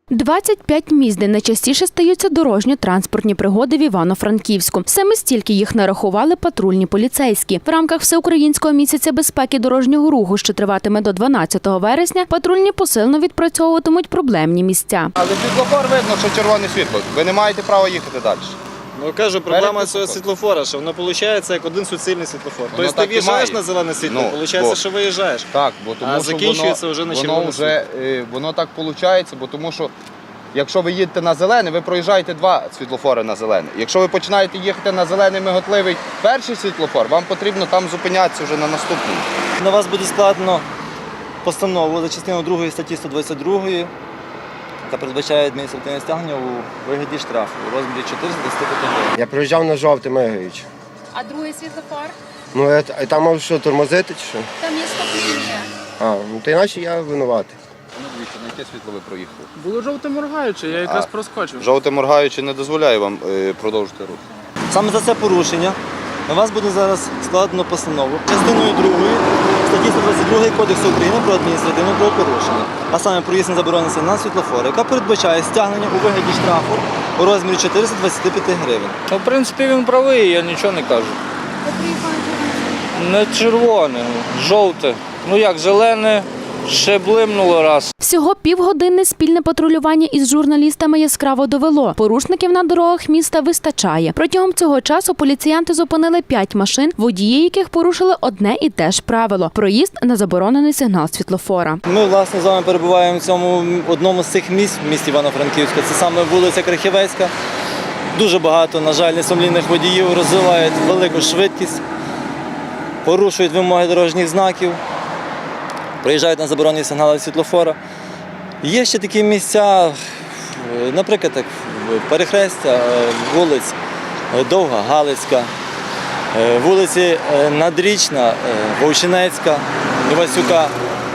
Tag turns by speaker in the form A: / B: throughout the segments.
A: 25 місць, де найчастіше стаються дорожньо-транспортні пригоди в Івано-Франківську. Саме стільки їх нарахували патрульні поліцейські. В рамках Всеукраїнського місяця безпеки дорожнього руху, що триватиме до 12 вересня, патрульні посилено відпрацьовуватимуть проблемні місця.
B: Але світлофор видно, що червоне світло. Ви не маєте права їхати далі.
C: Ну, кажу, проблема цього світлофора, що воно виходить як один суцільний світлофор. Тобто ти в'їжджаєш на зелене світло, виходить, що виїжджаєш.
B: Так, бо тому,
C: а
B: що
C: закінчується вже на червоне світло.
B: Воно так виходить, бо тому що якщо ви їдете на зелене, ви проїжджаєте два світлофори на зелене. Якщо ви починаєте їхати на зелений миготливий перший світлофор, вам потрібно там зупинятися вже на наступному.
C: На вас буде складено постанову за частиною 2 статті 122, яка передбачає адміністративне стягнення у вигляді штрафу у розмірі 425 гривень.
D: Я проїжджав на жовте, мигаючи.
E: А другий світлофор?
D: Ну, там мав що, тормозити чи що?
E: Там є стоп-лінія.
D: Ну то іначе я винуватий.
B: Ну, дивіться, на яке світло ви проїхали?
F: Було жовте моргаюче, я якраз проскочив.
B: Жовте моргаюче не дозволяє вам продовжити рух.
C: Саме за це порушення на вас буде зараз складено постанову частиною 2 статті 122 Кодексу України про адміністративне правопорушення, а саме проїзд на заборонений сигнал світлофора, яка передбачає стягнення у вигляді штрафу у розмірі 425 гривень.
F: Ну, в принципі, він правий, я нічого не кажу. Не червоне, жовте. Ну як, зелене, ще блимнуло раз.
A: Всього півгодини спільне патрулювання із журналістами яскраво довело. Порушників на дорогах міста вистачає. Протягом цього часу поліціянти зупинили 5 машин, водії яких порушили одне і те ж правило – проїзд на заборонений сигнал світлофора.
C: Ми, власне, з вами перебуваємо в цьому одному з цих місць в місті Івано-Франківська. Це саме вулиця Крихівецька. Дуже багато, на жаль, несумлінних водіїв розвивають велику швидкість, порушують вимоги дорожніх знаків, приїжджають на заборонені сигнали світлофора. Є ще такі місця, наприклад, як перехрестя вулиць Довга, Галицька, вулиці Надрічна, Вовчинецька, Івасюка,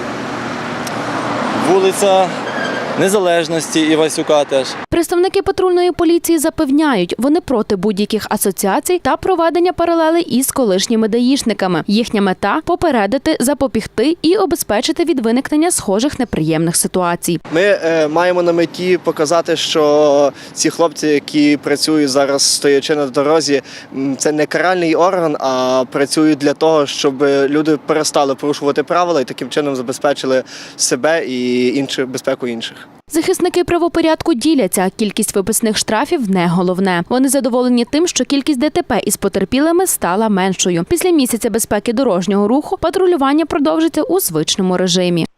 C: вулиця Незалежності Івасюка теж.
A: Представники патрульної поліції запевняють, вони проти будь-яких асоціацій та проведення паралелей із колишніми даїшниками. Їхня мета – попередити, запобігти і обезпечити від виникнення схожих неприємних ситуацій.
G: Ми маємо на меті показати, що ці хлопці, які працюють зараз стоячи на дорозі, це не каральний орган, а працюють для того, щоб люди перестали порушувати правила і таким чином забезпечили себе і безпеку інших.
A: Захисники правопорядку діляться, кількість виписаних штрафів – не головне. Вони задоволені тим, що кількість ДТП із потерпілими стала меншою. Після місяця безпеки дорожнього руху патрулювання продовжиться у звичному режимі.